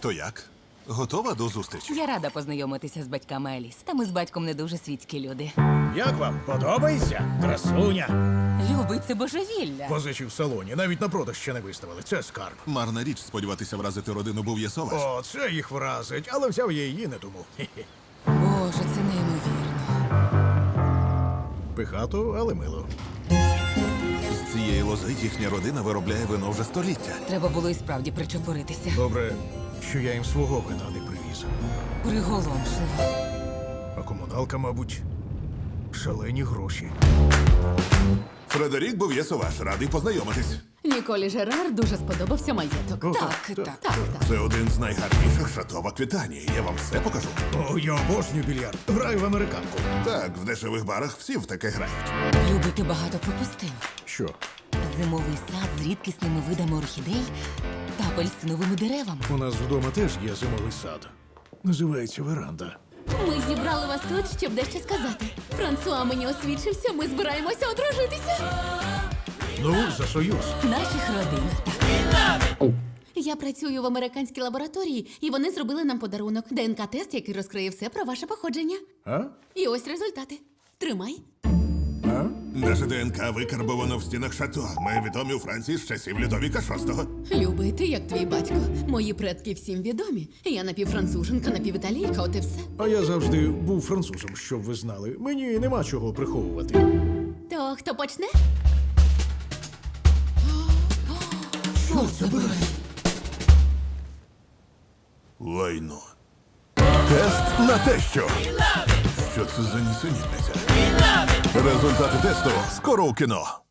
То як? Готова до зустрічі? Я рада познайомитися з батьками Еліс. Та ми з батьком не дуже світські люди. Як вам? Подобається? Красуня. Любий, це божевілля. Позичі в салоні, навіть на продаж ще не виставили. Це скарб. Марна річ сподіватися вразити родину Бов'єсоваш. О, це їх вразить, але взяв я її не тому. Хе-хе. Боже, це неймовірно. Пихато, але мило. З цієї лози їхня родина виробляє вино вже століття. Треба було і справді причепуритися. Добре, що я їм свого вина не привіз. Приголомшливо. А комуналка, мабуть, шалені гроші. Фредерік Бов'єсоваш, радий познайомитись. Ніколі Жерар дуже сподобався маєток. О, Так. Так. Це один з найгарніших шато в Аквітанії. Я вам все покажу. О, я обожнюю більярд. Граю в американку. Так, в дешевих барах всі в таке грають. Любий, ти багато пропустив. Що? Зимовий сад з рідкісними видами орхідей та апельсиновими деревами. У нас вдома теж є зимовий сад. Називається веранда. Ми зібрали вас тут, щоб дещо сказати. Франсуа мені освідчився, ми збираємося одружитися. Ну, за союз. Наших родин. Я працюю в американській лабораторії, і вони зробили нам подарунок. ДНК-тест, який розкриє все про ваше походження. А? І ось результати. Тримай. А? Наше ДНК викарбовано в стінах шато. Ми відомі у Франції з часів Людовіка VI. Любий, ти як твій батько. Мої предки всім відомі. Я напівфранцуженка, напівіталійка, от і все. А я завжди був французом, щоб ви знали. Мені нема чого приховувати. То хто почне? Що це буде? Лайно. Тест на те, що. Що це за нісенітниця? Результати тесту скоро у кіно.